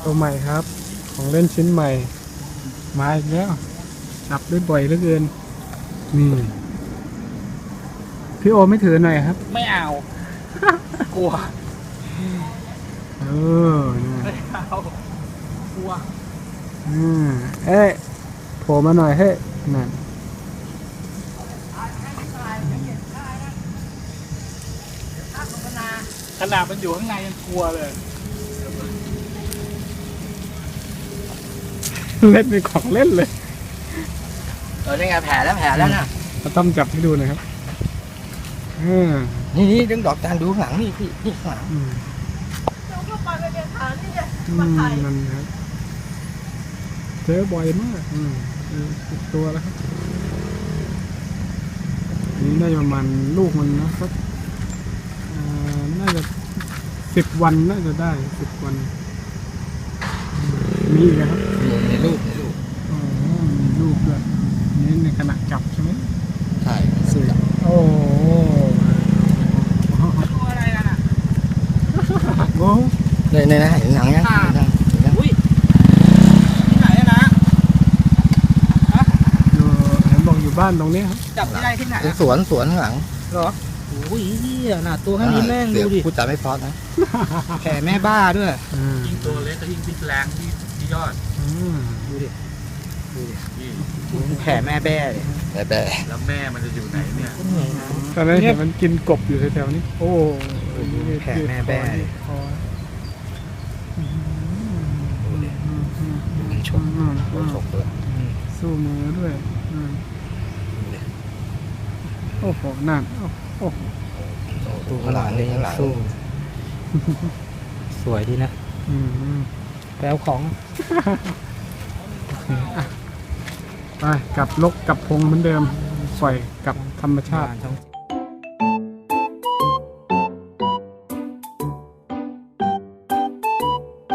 ตัวใหม่ครับ ของเล่นชิ้นใหม่มาอีกแล้วจับได้บ่อยเหลือเกินนี่พี่โอไม่ถือหน่อยครับไม่เอา กลัวเออนี่ไม่เอากลัวเอ้ยโผล่มาหน่อยเฮ้ยนั่นขนาดมันอยู่ข้างในยังกลัวเลยเล่นเป็นของเล่นเลยนี่ไงแผลแล้วนะเราต้องจับให้ดูหนะครับนี่ดึงดอกจานดูข้างหลังนี่พี่นี่ข้างหลังนั่นครับเจอบ่อยมากติดตัวแล้วครับนี่ได้ประมาณลูกมันนะครับน่าจะ10 วันน่าจะได้10 วันมีอีกนะครับในรูปอ๋อมีลูกด้วยนี่ในขณะจับใช่ไหมใช่สวยโอ้ตัวอะไรกันอ่ะโหในนะเห็นหนังยังอุ้ยที่ไหนอะนะอยู่เห็นบอกอยู่บ้านตรงนี้ครับจับที่ไหนที่ไหนสวนข้างหลังเหรอโอ้ยเหี้ยหนาตัวแค่นี้แม่งดูดิพูดจาไม่เพอนะแผลแม่บ้าด้วยยิ่งตัวเล็กก็ยิ่งพิษแรงที่ยอดดูดิแผลแม่แบ้เลยแบะแล้วแม่มันจะอยู่ไหนเนี่ยตอนนั้นเห็นมันกินกบอยู่แถวๆนี้โอ้แผลแม่แบ้เลยคอมันฉกเลยสู้มือด้วยโอ้โหนั่นโอ้โหตู้ข้างหลังนี่ข้างหลังสวยดีนะ แปลของไปกลับลกกลับพงเหมือนเดิมปล่อยกลับธรรมชาติบ้านช่อง